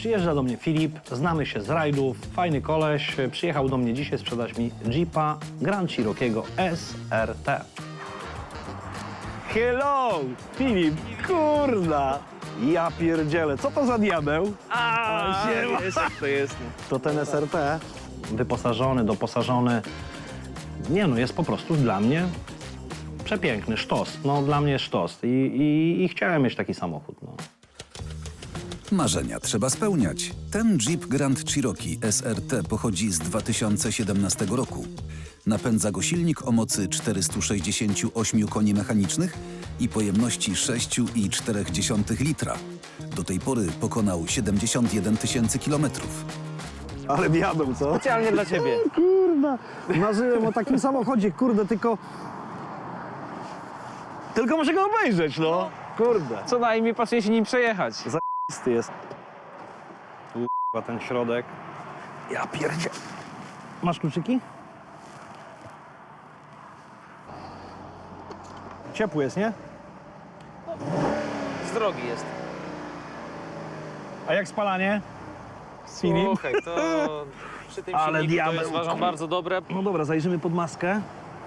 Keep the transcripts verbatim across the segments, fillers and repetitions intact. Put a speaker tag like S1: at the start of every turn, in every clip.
S1: Przyjeżdża do mnie Filip, znamy się z rajdów, fajny koleś, przyjechał do mnie dzisiaj sprzedać mi Jeepa Grand Cherokee'ego S R T. Hello, Filip, kurna! Ja pierdzielę, co to za diabeł?
S2: A,
S1: siema.
S2: jest jak to jest.
S1: To ten S R T, wyposażony, doposażony, nie no, jest po prostu dla mnie przepiękny, sztos. No, dla mnie sztos i, i, i chciałem mieć taki samochód, no.
S3: Marzenia trzeba spełniać. Ten Jeep Grand Cherokee S R T pochodzi z dwa tysiące siedemnastego roku. Napędza go silnik o mocy czterystu sześćdziesięciu ośmiu koni mechanicznych i pojemności sześć i cztery dziesiąte litra. Do tej pory pokonał siedemdziesiąt jeden tysięcy kilometrów.
S1: Ale diabeł, co?
S2: Specjalnie dla ciebie.
S1: Kurna, marzyłem o takim samochodzie, kurde, tylko... Tylko muszę go obejrzeć, no. Kurde.
S2: Co najmniej pasuje się nim przejechać.
S1: Zajebisty jest. Tu, k***a, ten środek. Ja pierdzie... Masz kluczyki? Ciepły jest, nie?
S2: Z drogi jest.
S1: A jak spalanie? Filip?
S2: Słuchaj, to przy tym
S1: Ale
S2: silniku to
S1: diabeł.
S2: jest, uważam, bardzo dobre.
S1: No dobra, zajrzymy pod maskę.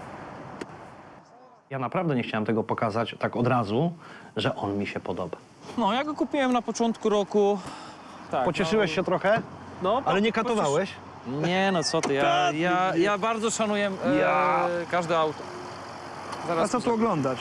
S1: Ja naprawdę nie chciałem tego pokazać tak od razu, że on mi się podoba.
S2: No, ja go kupiłem na początku roku. Tak,
S1: Pocieszyłeś
S2: no,
S1: się trochę,
S2: no,
S1: ale nie
S2: pociesz-
S1: katowałeś?
S2: Nie, no co ty, ja,
S1: Tak,
S2: ja,
S1: nie.
S2: ja bardzo szanuję e,
S1: Ja.
S2: każde auto. Zaraz
S1: A co tu oglądać?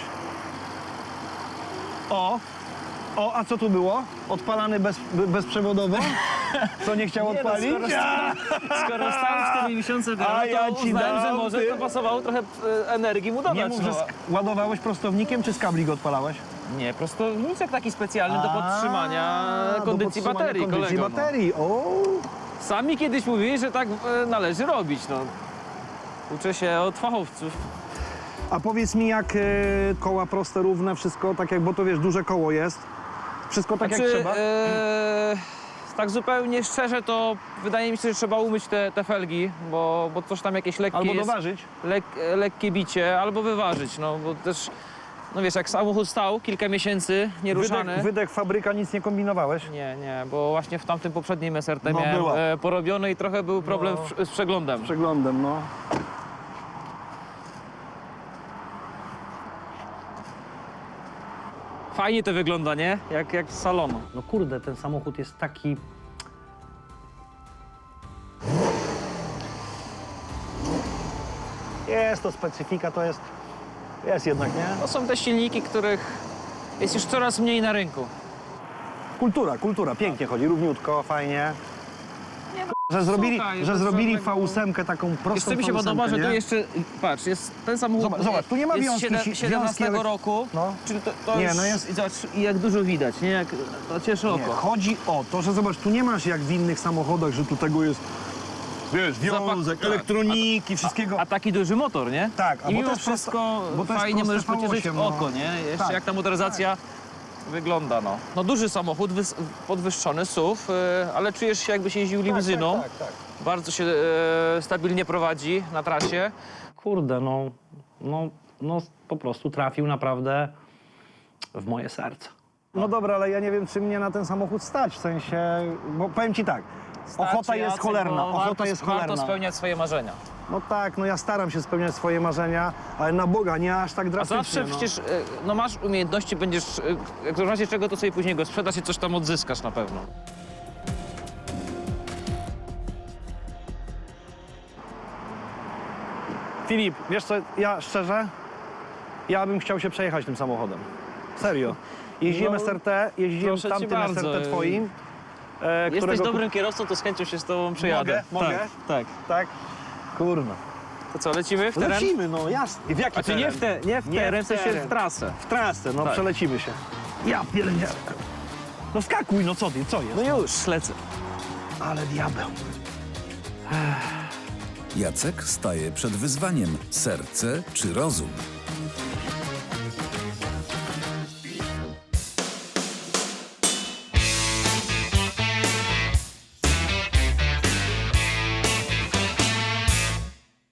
S1: O! O, a co tu było? Odpalany bez, be- bezprzewodowo? Co nie chciał
S2: Nie no,
S1: odpalić?
S2: skoro-
S1: Ja!
S2: Skoro stałem cztery miesiące temu,
S1: A ja
S2: to
S1: ci
S2: uznałem,
S1: dam,
S2: że może
S1: ty.
S2: to pasowało trochę e, energii mu dodać.
S1: Nie mów, że
S2: no.
S1: sk- ładowałeś prostownikiem, czy z kabli go odpalałeś?
S2: Nie, prostowniczek taki specjalny do podtrzymania
S1: A, do
S2: kondycji
S1: podtrzymania
S2: baterii,
S1: kondycji
S2: kolego.
S1: baterii, o!
S2: No. Sami kiedyś mówili, że tak e, należy robić, no. Uczę się od fachowców.
S1: A powiedz mi, jak e, koła proste, równe, wszystko tak jak, bo to wiesz, duże koło jest. Wszystko tak jak trzeba?
S2: e, tak zupełnie szczerze, to wydaje mi się, że trzeba umyć te, te felgi, bo, bo coś tam jakieś lekkie
S1: Albo
S2: jest,
S1: doważyć?
S2: lek, lekkie bicie, albo wyważyć, no bo też, no wiesz, jak samochód stał kilka miesięcy nieruszany.
S1: Wydech, wydech, fabryka, nic nie kombinowałeś?
S2: Nie, nie, bo właśnie w tamtym poprzednim S R T
S1: No,
S2: miałem
S1: była.
S2: e, porobiony i trochę był problem
S1: No.
S2: w, z przeglądem.
S1: Przeglądem, no.
S2: Fajnie to wygląda, nie? Jak, jak z salonu.
S1: No kurde, ten samochód jest taki... Jest to specyfika, to jest... Jest jednak, nie?
S2: To są te silniki, których jest już coraz mniej na rynku.
S1: Kultura, kultura, pięknie chodzi, równiutko, fajnie.
S2: Nie, no,
S1: Że zrobili,
S2: słuchaj,
S1: że
S2: bez
S1: zrobili
S2: żadnego-
S1: V osiem taką prostą
S2: Wiesz, co mi się
S1: V osiem,
S2: podoba, że
S1: nie?
S2: tu jeszcze, patrz, jest ten samochód
S1: Zobacz, zobacz, tu nie ma
S2: jest
S1: wiązki,
S2: siedem-
S1: si-
S2: siedemnastego
S1: wiązki, ale-
S2: roku,
S1: No.
S2: czyli to, to
S1: Nie,
S2: już,
S1: no jest-
S2: i zobacz, i jak dużo widać, nie? Jak, to cieszy
S1: Nie,
S2: oko.
S1: chodzi o to, że zobacz, tu nie masz jak w innych samochodach, że tu tego jest, wiesz, wiązek,
S2: tak.
S1: elektroniki, wszystkiego.
S2: A taki duży motor, nie?
S1: Tak, a
S2: I
S1: bo
S2: mimo
S1: to jest
S2: wszystko
S1: prosto- bo to jest
S2: fajnie
S1: proste
S2: możesz pocieszyć
S1: V osiem, no.
S2: oko, nie? Jeszcze
S1: Tak.
S2: jak ta motoryzacja wygląda, no. No duży samochód, wys- podwyższony S U V, y, ale czujesz się jakbyś jeździł limuzyną.
S1: Tak, tak, tak.
S2: Bardzo się e, stabilnie prowadzi na trasie.
S1: Kurde, no, no, no po prostu trafił naprawdę w moje serce. No dobra, ale ja nie wiem, czy mnie na ten samochód stać, w sensie, bo powiem ci tak, ochota
S2: Starczy,
S1: jest
S2: Jacek,
S1: cholerna,
S2: bo
S1: ochota
S2: warto,
S1: jest
S2: Warto
S1: cholerna.
S2: spełniać swoje marzenia.
S1: No tak, no ja staram się spełniać swoje marzenia, ale na Boga nie aż tak
S2: A
S1: drastycznie.
S2: zawsze
S1: no.
S2: przecież, e, no masz umiejętności, będziesz, e, jak w razie czego, to sobie później go sprzedasz i coś tam odzyskasz na pewno.
S1: Filip, wiesz co, ja szczerze, ja bym chciał się przejechać tym samochodem. Serio. Jeździłem
S2: No,
S1: S R T, jeździłem
S2: proszę cię
S1: tamtym
S2: bardzo.
S1: S R T twoim. E,
S2: Jesteś
S1: którego...
S2: dobrym kierowcą, to z chęcią się z tobą przejadę.
S1: Mogę? Mogę?
S2: Tak, tak.
S1: Tak? Kurna.
S2: To co, lecimy w teren?
S1: Lecimy, no jasne. W jaki
S2: A czy nie w, te, nie w
S1: Nie
S2: teren,
S1: w
S2: w sensie
S1: teren.
S2: w trasę.
S1: W trasę, no
S2: Tak.
S1: przelecimy się. Ja pierdzielę. No skakuj, no co ty, co jest?
S2: No już, lecę.
S1: Ale diabeł.
S3: Jacek staje przed wyzwaniem: serce czy rozum?